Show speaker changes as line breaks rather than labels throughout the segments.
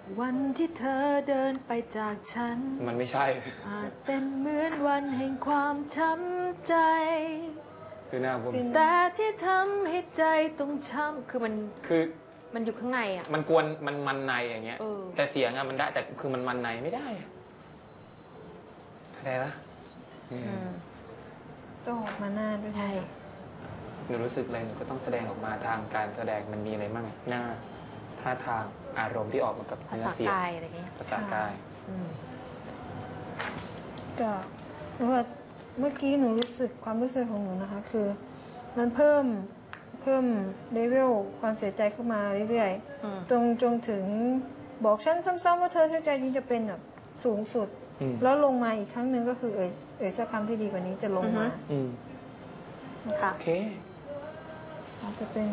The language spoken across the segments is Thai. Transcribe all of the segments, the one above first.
วันที่เธอเดินไปจากฉัน
มันไม่ใช่
อาจเป็นเหมือนวันแห่งความช้ำใจ
คือหน้าผม
แต่ที่ทำให้ใจต้องช้ำคือมันอยู่ข้างในอ่ะ
มันกวนมันในอย่างเงี้ยแต่เสียงอะมันได้แต่คือมันในไม่ได้เข้าใจปะ
ต้องออกมาหน้าด้วยใช่
หนูรู้สึกอะไรหนูก็ต้องแสดงออกมาทางการแสดงมันมีอะไรบ้างหน้าท่าทางอารมณ์ที่ออกมากับเนื้อเสียงภาษากายอะไรเงี้ยภาษากาย
ก็ว่าเมื่อกี้หนูรู้สึกความรู้สึกของหนูนะคะคือมันเพิ่มเลเวลความเสียใจเข้ามาเรื่อยๆจนถึงบอกฉันซ้ำๆว่าเธอเสียใจจริงจะเป็นแบบสูงสุดแล้วลงมาอีกครั้งหนึ่งก็คือเอ่ยสักคำที่ดีกว่านี้จะลงมา
ค่ะ
โอเค
จะเป็น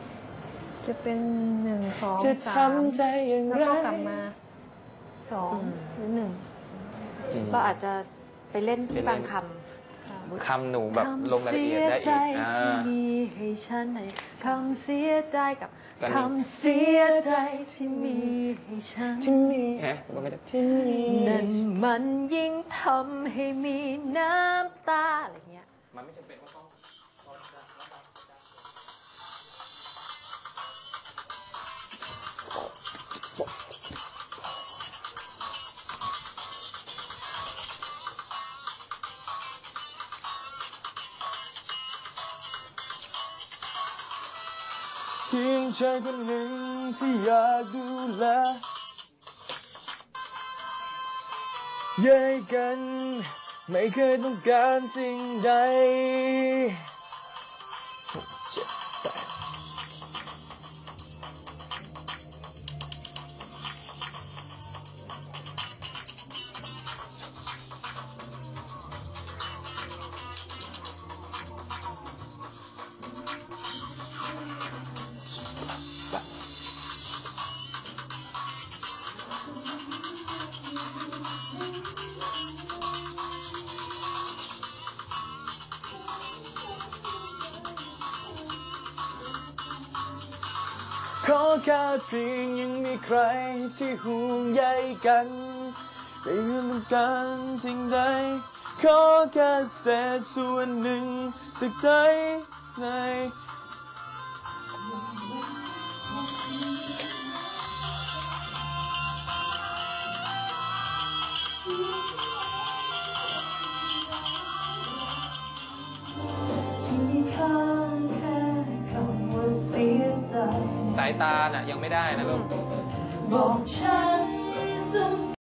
1 2
จะทำใจอย่างไร
แล้วก็กลับมา2หรือ1
เราอาจจะไปเล่นที่บาง
คำหนูแบบลงรายละเอียดได้อีก
ที่มีให้ฉันคำเสียใจกับคำเสียใจที่มีให้ฉัน
ที่มีที่มี
นั่นมันยิ่งทำให้มีน้ำตาอะไรเงี้ย
มันไม่จำเป็นว่าต้องเพียงชายคนหนึ่งที่อยากดูแลแยกกันไม่เคยต้องการสิ่งใดขอแค่เพียงยังมีใครที่ห่วงใยกันไม่ต้องการสิ่งใดขอแค่เศษส่วนหนึ่งจากใจในสายตาน่ะยังไม่ได้นะลูก
บอกฉั